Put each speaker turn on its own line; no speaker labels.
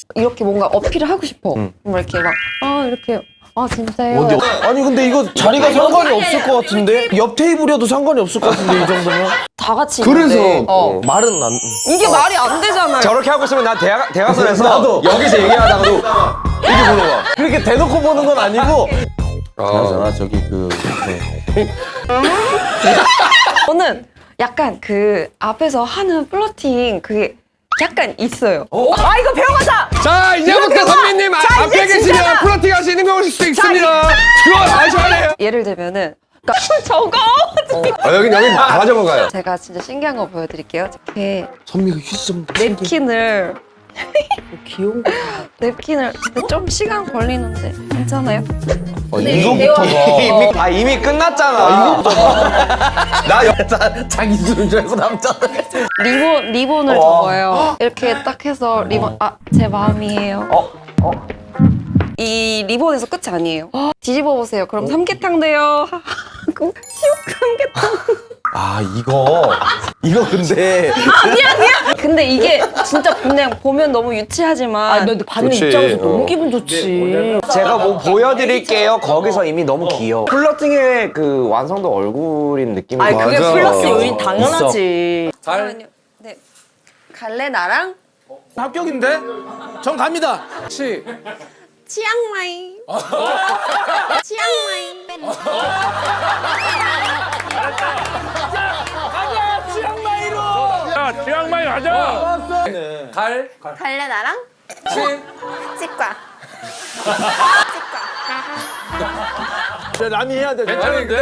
이렇게 뭔가 어필을 하고 싶어. 뭐 이렇게 막 이렇게 진짜요?
아니 근데 이거 자리가 상관이 없을 것 같은데? 옆 테이블이어도 상관이 없을 것 같은데 이 정도면?
다 같이
그래서
있는데
말은 안...
이게 말이 안 되잖아요.
저렇게 하고 있으면 나 대화선에서
나도.
여기서 얘기하다가도 이렇게 보는 거야.
그렇게 대놓고 보는 건 아니고 그나저나 저기
저는 약간 그 앞에서 하는 플러팅 그게 약간 있어요. 이거 배워가자!
자 이제부터 선배님 앞에 계시면 플러팅 하시는 거 오실 수 있습니다. 그거 아셔야 돼요.
예를 들면은 저거
여기 가져가요.
제가 진짜 신기한 거 보여드릴게요. 이렇게
선미가 휴지 좀
냅킨을
귀여운 거.
냅킨을 근데 좀 시간 걸리는데 괜찮아요?
이거부터가
이미 끝났잖아. 나
자기 주는 줄 알고 남자
리본을 접어요. 이렇게 딱 해서 리본 제 마음이에요. 이 리본에서 끝이 아니에요. 뒤집어 보세요. 그럼 삼계탕 돼요. 하고 시옥 삼계탕.
이거 근데
근데 이게 진짜 그냥 보면 너무 유치하지만
근데 받는
좋지.
입장에서 너무 기분 좋지.
제가 뭐 보여드릴게요. 거기서 이미 너무 귀여워. 플러팅의 그 완성도 얼굴인 느낌이
아니 그게
맞아.
플러스 요인 당연하지.
잠깐만요. 네. 갈래 나랑
합격인데? 전 갑니다.
치앙마이. 치앙마이.
야, 치앙마이 가자.
갈래 나랑 치과. 치과.
남이 해야 돼.
괜찮은데?